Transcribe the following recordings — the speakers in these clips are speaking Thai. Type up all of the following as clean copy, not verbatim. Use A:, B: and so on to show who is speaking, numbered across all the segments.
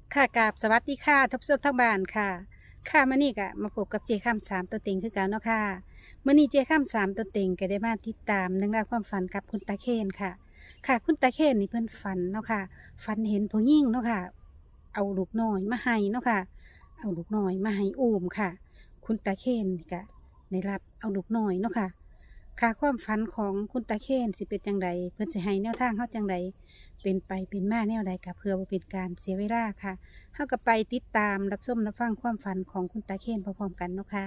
A: ค่ะกราบสวัสดีค่ะทบทวนทั้งบ้านค่ะค่ะมื้อนี้ก็มาพบกับเจค้ามสามตัวเต็งคือกันเนาะค่ะมื้อนี้เจค้ามสามตัวเต็งก็ได้มาติดตามเรื่องราวความฝันกับคุณตาเคนค่ะ ค่ะคุณตาเคนนี่เพิ่นฝันเนาะค่ะฝันเห็นผู้หญิงเนาะค่ะ เอาลูกน้อยมาให้เนาะค่ะ เอาลูกน้อยมาให้อุ้มค่ะ คุณตาเคนนี่ก็ได้รับเอาลูกน้อยเนาะค่ะ ค่ะความฝันของคุณตาเคนสิเป็นจังใดเพิ่นสิให้แนวทางเฮาจังใดเป็นไปเป็นมาแนวใดก็เพื่อบ่เป็นการเสียเวลาค่ะเฮาก็ไปติดตามรับชมรับฟังความฝันของคุณตาเคนพร้อมๆกันเนาะค่ะ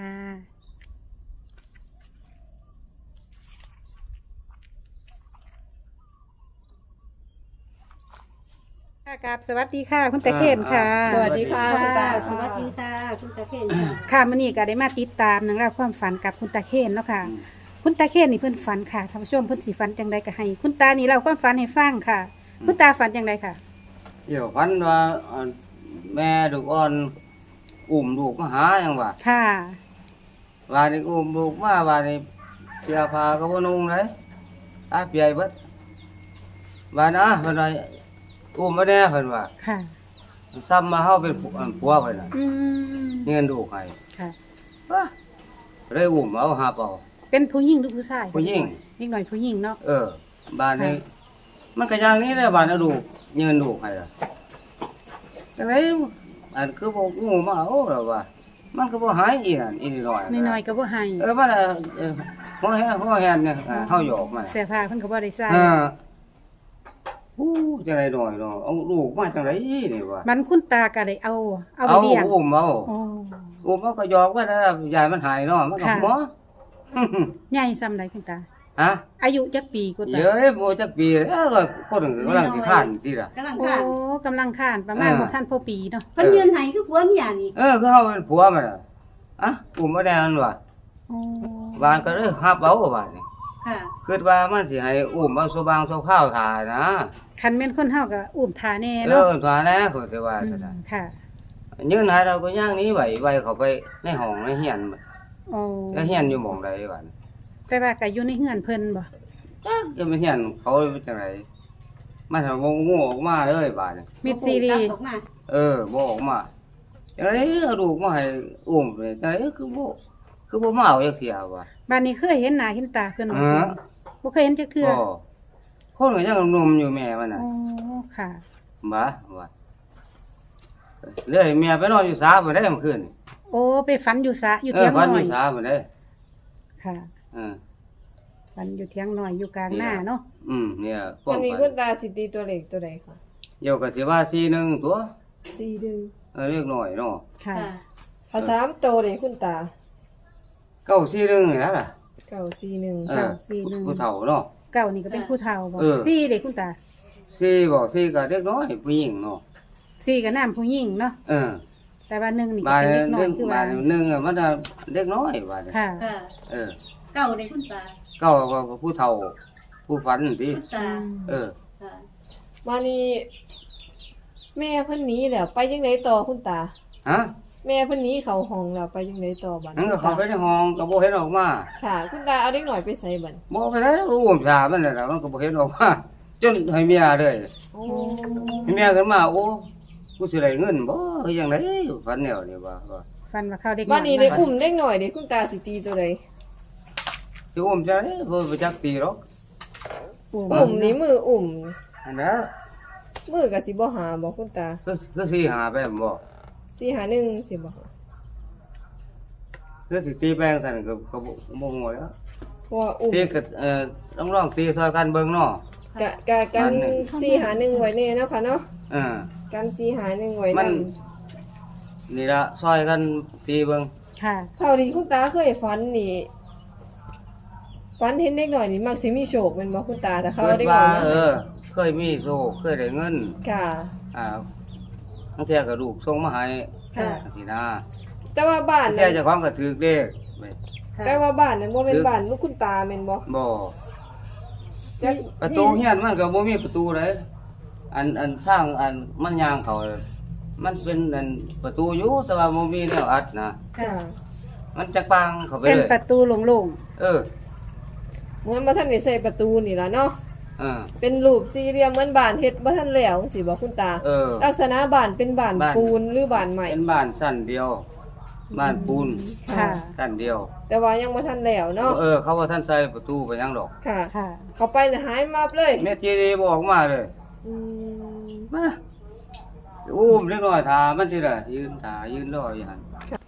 A: ค่ะกราบสวัสดีค่ะ คุณตาเคนค่ะ
B: สวัสดีค่ะคุณตา
C: สวัสดีค่ะคุณตาเคนค่ะ
A: ค่ะมื้อนี้ก็ได้มาติดตามเรื่องราวความฝันกับคุณตาเคนเนาะค่ะ คุณตาเคนนี่เพิ่นฝันค่ะท่านผู้ชมเพิ่นสิฝันจังใดก็ให้ คุณตานี่เล่าความฝันให้ฟังค่ะ คุณตาฝันจังใดค่ะ
B: เดี๋ยวพันว่าแม่ลูกอ่อนอุ้มลูกมาหาหยังว่า
A: ค่ะ
B: ว่านี่อุ้มลูกมาว่านี่เสียผ้าก็บ่นุ่งเลยตาเปียเบิดว่านะเพิ่นว่าอุ้มมาแน่เพิ่นว่า
A: ค่ะ
B: ซ้ำมาเฮาเป็นผัวเพิ่นน่ะ
A: อืม
B: เงินลูกให้
A: ค่ะ
B: ว้าเลยอุ้มเอาหาเปล่า
A: เป็นผู้หญิงหรือผู้ชาย
B: ผู้หญิง
A: เด็กหน่อยผู้หญิงเนาะ
B: บ้านนี้มันก็อย่างนี้แหละบ้านเอาลูกเงินลูกให้ล่ะจังไดอันคือบ่งูมาเอาแล้วว่า มันก็บ่หายอีนั่นอีนี่น้อย
A: น้อยๆก็บ่ให้
B: มันหัวแหนเนี่ยเฮาหยอกมัน
A: เสื้อผ้าเพิ่นก็บ่ได้ใส่
B: อู้จังได๋น้อยเนาะเอาลูกมาจังได๋นี่ว่า
A: มันคุณตาก็ได้เอาไป
B: เอา
A: เลี้ยง
B: อุ้มเอา
A: โอ้
B: อุ้มเอาก็หยอกว่าแล้วยายมันหายเนาะมันก็
A: ค่ะ
B: หมอ
A: ใหญ่ซำใดคุณตา
B: ฮะ
A: อายุจักปีคุณตา
B: เยอะบ่จักปีก็คนนึงกำลังสิข้านติล่ะ
C: กำลัง
A: โอ้
C: ค่ะ
A: กำลังข้านประมาณบ่ทันพอปีเนาะ
C: เพิ่นยืนไหคือผัวเมียนี่
B: คือเฮาเป็นผัวมันน่ะอุ้มมาแน่นว่ะ
A: โอ้
B: บ้านก็เลยฮับเอาบ้านนี่
C: ค่ะ
B: คิดว่ามันสิให้อุ้มเอาโซบางโซข้าวทานะ
A: คันแม่นคนเฮาก็อุ้มทาแน่
B: เอ
A: เนาะ
B: อทาแน่ก็สิว่า
A: อื
B: ซั่น
A: ม
B: น่ะ
A: ค่ะ
B: ยืนหาเราก็ย่างนี้ไว้เข้าไปในห้องในเฮียน
A: โอ้
B: แล้วเฮียนอยู่หม่องใดบ้าน
A: แต่ว่าก็อยู่ในเฮือนเพิ่นบ่
B: จะไปเฮียนเขาเป็นจังไดมันทำงูออกมาเลยบ้านนี่
A: มิดซีรี
C: กลับ
A: ส์
C: ออกมา
B: บ่ออกมาจังไดเอาลูกมาให้อุ้มเลยจังไดคือบ่มาเอาจักเที่ยว่ะ
A: บ้านนี้เคยเห็นหน้าเห็นตาเพิ่นบ่
B: ฮะ
A: บ่เคยเห็นจักเทื่อ
B: บ่คนก็ยังหนุ่มอยู่แม่มันน่ะ
A: โอ้ค่ะ
B: บ่ว่าเลยเมียไปนอนอยู่สาบ่ได้เมื่อคืน
A: โอ้ไปฝันอยู่สระอยู่เถียง
B: พัน
A: น้
B: อ
A: อย
B: ยู่สาบ่ได้
A: ค่ะ
B: เออ
A: ฝันอยู่เถียงน้อยอยู่กลางหน้าเนาะ
B: เนี่ย
D: วันนี้คุณตาสิตีตัวเล็กตัวใดคะ
B: เดี๋ยวก็สิว่า41ตัว
D: ตีดึง
B: เรียกน้อยเนาะ
A: ค่ะ
C: ค่ะ
D: ภาษามโตเลยคุณตา
B: 941นี่ล่ะ
D: 941
B: เออ
A: 941
B: ผู้เฒ่าเนาะ
A: เก้านี่ก็เป็นผู้เฒ่าบ่
B: เออ
A: สี่เด็กคุณตา
B: สี่บอกสี่ก็เด็กน้อยผู้หญิงเนาะ
A: สี่ก็น้ำผู้หญิงเนาะ
B: เออ
A: แต่ว่าหนึ่งนี่ก็
B: บาด
A: เป็นเด็กน้อ
B: เด็
A: ย
B: ก
A: คือ
B: บา
A: ว่า
B: ดหนึ่งอะมันจะเด็กน้อยบาดเนี่ย
A: ค่ะ
C: ค่ะ
B: เออ
C: เก่าเลยคุณตา
B: เก้าก็ผู้เฒ่า ผู้ฝันติ
C: คุณตา
B: เออ
C: ค่ะ
D: วันนี้แม่เพิ่นหนีแล้วไปจังไดต่อคุณตา
B: ฮะ
D: แม่เพิ่นหนีเข้าห้องแล้วไปจังไดต่อบัด
B: นั่นก็เข้าไปในห้องก็บ่เห็นออกมา
D: ค่ะ คุณตาเอาเด็กหน่อยไปใส่บัด
B: บ่ไปแล้วอุ้มสามันน่ะมันก็บ่เห็นออกมาจนให้เมียเลย
D: โอ้
B: ให้เมียขึ้นมาโอ้กูสิได้เงินบ่คือจังไดฝันแนวนี่ว่า
A: ฟันว่าเข้าเด็ก
D: บัดนี้ได้
A: เาะ
D: อุ้มเด็กหน่อยเด้คุณตาสิตีตัวใด
B: สิอุ้มจังได๋บ่ไปจักตีหรอก
D: อุ้มนี่มืออุ้ม
B: อันนั้น
D: มือก็สิบ่หาบ่คุณตา
B: คือสิหาไปบ่
D: 451สิบ่หา
B: คือสิตีแปลงซั่นก็บ่ฮู้แล้ว
D: เพราะว่าอุ้ม
B: ตีก็ต้องลองตีซอยกันเบิ่งเนาะ
D: กัน451ไว้แน่เนาะค่ะเนาะ
B: เออ
D: กัน451ไว้
B: มั
D: นั่
B: น
D: น
B: นี่ละซอยกันตีเบิ่ง
A: ค่ะ
D: เท่าที่คุณตาเคยฝันนี่ฝันเห็นเด็กหน่อยนี่มักสิมีโชคแม่นบ่คุณตาถ้าเขา
B: เกิ
D: เอา
B: ด
D: เด็กหน่
B: ว่า
D: อยมาให้
B: เคยมีโชคเคยได้เงิน
D: ค่ะ
B: บางเที่ยก็ลูกส่งมาให้
D: ค่ะ
B: สินะ
D: แต่ว่าบ้าน
B: บางเที่
D: นั้
B: ย
D: น
B: เจ้าของก็ถือเลขไป
D: แต่ว่าบ้านนั้นบ่แม่นบ้านลูกคุณตาแม่นบ่
B: บ่
D: จัก
B: ประตูเฮียนมันก็บ่มีประตูเลยอันสร้างอันมันย่างเขามันเป็นอันประตูอยู่แต่ว่าบ่มีแนวอัดนะ
D: ค่ะ
B: มันจักปางเข้าไป
A: เป็น
B: เลย
A: ประตูโล่ง
B: เออ
D: เหมือนบ่ทันได้ใส่ประตูนี่ล่ะเนาะ
B: เ
D: เป็นรูปสี่เหลี่ยมเหมือนบ้านเฮ็ดบ่ทันแล้วจังซี่บ่คุณตา ลักษณะบ้านเป็นบ้านปูนหรือบ้านใหม่
B: เป็นบ้านสั้นเดียว บ้านปูน
A: ค่ะ
B: สั้นเดียว
D: แต่ว่ายังบ่ทันแล้วเนาะ
B: เขาว่าท่านใส่ประตูไปยังดอก
D: ค่ะ
A: ค่ะ
D: เขาไปน่ะหายมาบเลย
B: แม่จีดีบอกมาเลย
D: อืม
B: มาอุ้มเล็กน้อยถามันสิล่ะยืนถายืนรออยู่หั่น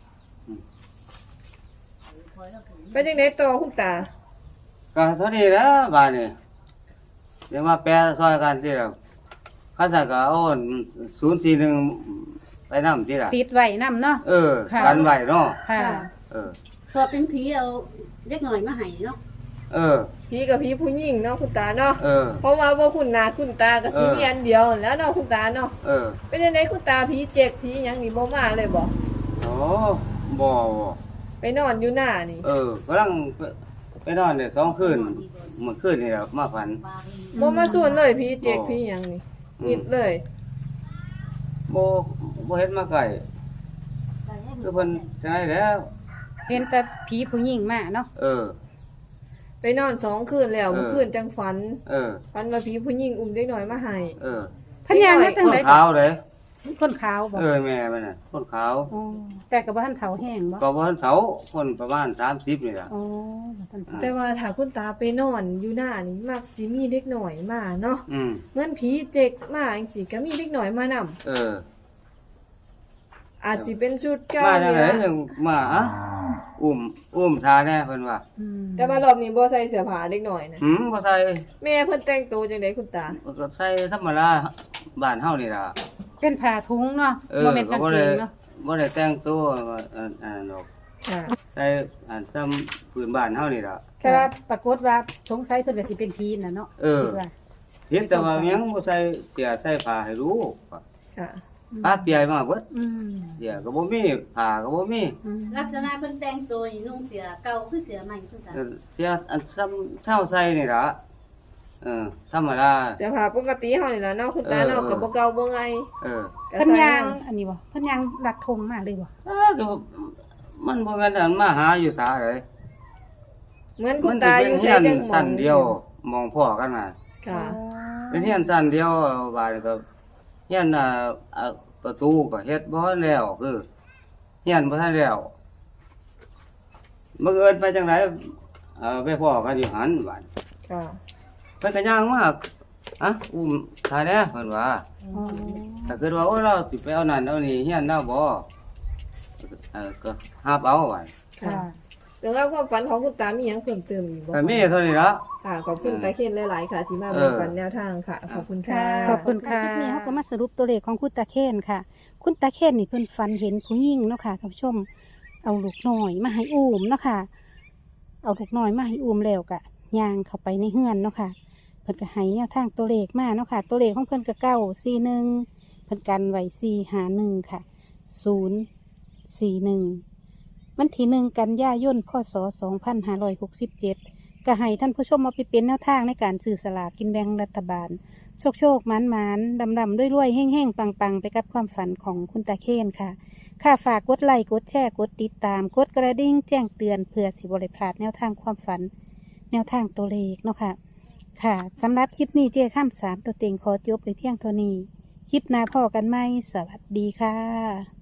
D: เป็นจังได๋ต่อคุณตา
B: ก็เท่านี้นะบ้านนี่เดี๋ยวมาแปลซอยกันที่ละข้าจะก็เอา041ไปนำที่ละ
A: ติดไว้นํเนาะ ค่ะ
B: กันไว้เนาะ
A: ค่ะ
C: พอเป็นผีเอาเล็กหน่อยมาให้เนาะ
D: ผีกับผีผู้หญิงเนาะคุณตาเนาะ
B: เออ
D: เพราะว่าบ่คุณหน้าคุณตาก็สิมีอันเดียวนั่นแหล้วเนาะคุณตาเนาะ
B: เออ
D: เป็นจังได๋คุณตาผีเจ็กผีหยังนี่บ่มาเลยบ่
B: โอ้บ่
D: ไปนอนอยู่หน้านี่
B: กำลังไปนอนเนี่ย2 คืนเมื่อคืนนี่แหละมาฝัน
D: บ่มาส่วนเลยผีเจ็กผีหยังนี่มิดเลย
B: บ่เห็นมาไกลคือเพิ่นจังไดแล้ว
A: เห็นแต่ผีผู้หญิงมาเนาะ
D: ไปนอน2คืนแล้วเมื่อคืนจังฝันฝันว่าผีผู้หญิงอุ้มเด็กน้อยมาให้
A: เพิ่นย่างมาจัง
B: คน
A: ได๋
B: ขาวเด้
A: คนขาวบ่
B: แม่มันน่ะคนขาว
A: อ๋อแต่ก็บ่ทันเฒ่าแห้งบ่
B: ก็บ่ทันเฒ่าคนประมาณ30นี่ล่ะ
A: อ๋อบ่ทันเฒ่า
D: แต่ว่าถ้าคุณตาไปนอนอยู่หน้านี่มักสิมีเด็กน้อยมาเนาะ
B: อืม
D: เหมือนผีเจ็กมาจังซี่ก็มีเด็กน้อยมานำ อาจสิเป็นชุดเก่า
B: มาจัง
D: นี่
B: ได๋
D: นะ
B: จังมาอุ้มทาแน่เพิ่นว่า
D: แต่ว่ารอบนี้บ่ใส่เสื้อผ้าเด็กน้อยนะ
B: บ่ใส่
D: แม่เพิ่นแต่งตัวจังได๋คุณตา
B: ก็ใส่ธรรมดาบ้านเฮานี่ล่ะ
A: เป็นผ้าถุงเนาะบ่แม่นกาง
B: ก็
A: เก
B: บ่ได้
A: งเนาะ
B: บ่ได้แต่งตัวอันดอก
D: ค่ะ
B: ใส่ซ้ำพื้นบ้านเฮานี่ล่ะ
A: แต่ว่าปรากฏว่าสงสัยเพิ่นก็สิเป็นผีน่ะเนาะคิดว่า
B: เห็นแต่ว่ายังบ่ใส่เสื้อใส่ผ้าให้รู้
D: ค่ะ
B: ผ้าเปียมาเบิด
A: อืม
B: เสื้อก็บ่มีผ้าก็บ่มี
C: ลักษณะเพิ่นแต่งตัวนี่นุ่งเสื้อเก่าคือเสื้อใหม่คุณตา
B: เสื้ออันซ้ำเท่าใส่นี่ล่ะธรรมดา
D: เสื้อผ้าปกติเฮานี่ล่ะเนาะคุณตาเนาะก็บ่เก่าบ่ไงก็
A: เพิ่น
D: ใส่
A: ย่าง
D: เนาะ
A: อันนี้บ่เพิ่นย่างลัดธงมาเลยบ่
B: ก็มันบ่แม่นอันมาหาอยู่สาเลย
D: เหมือนคุณตาอยู่
B: เฮี
D: ใส่
B: ยน
D: จังหมอ
B: สั้
D: ง
B: นเดียวมองพ่อกันน่ะ
D: ค่ะ
B: เป็นเฮียนสั้นเดียวบาดก็เฮียนประตูก็เฮ็ดบ่ทันแล้วคือเฮียนบ่ทันแล้วมื้อเอิ้นไปจังไดไปพ่อกันอยู่หันบาด
D: ค่ะ
B: เพิ่นก็ย่างมาอุ้มทาแน่เพิ่นว่า
A: อ๋อ
B: ถ้าเกิดว่าโอ้เราสิไปเอานั่นเอานี่เฮียนเนาบ่ก็รับเอาไว้
D: ค่ะ
A: ค่ะ
D: เรื่องราวความฝันของคุณตามีหยังเพิ่มเติมอีกบ่
B: ก็มีเท่านี้ละ
D: ค่ะขอบคุณตาเคนหลายๆค่ะ ที่มาแบ่งปันแนวทางค่ะ ขอบคุณค่ะ
A: ขอบคุณค่ะคลิปนี้เขาก็มาสรุปตัวเลขของคุณตาเคนค่ะ คุณตาเคนนี่เพิ่นฝันเห็นผู้หญิงเนาะค่ะท่านผู้ชม เอาลูกน้อยมาให้อุ้มเนาะค่ะ เอาลูกน้อยมาให้อุ้มแล้วก็ย่างเข้าไปในเฮือนเนาะค่ะ เพิ่นก็ให้แนวทางตัวเลขมาเนาะค่ะ ตัวเลขของเพิ่นก็941เพิ่นกันไว้451ค่ะ041วันที่1 กันยายนพศ2567ก็ให้ท่านผู้ชมมาไปเป็นแนวทางในการซื้อสลากกินแบ่งรัฐบาล โชคหมานดำด้วยรวยแห้งปังไปกับความฝันของคุณตาเคนค่ะ ค่ะฝากกดไลค์กดแชร์กดติดตามกดกระดิ่งแจ้งเตือนเพื่อสิบริพลาดแนวทางความฝัน แนวทางตัวเลขเนาะค่ะ ค่ะสำหรับคลิปนี้เจ้ข้าม3ตัวเต็งขอจบไปเพียงเท่านี้ คลิปหน้าพอกันไหมสวัสดีค่ะ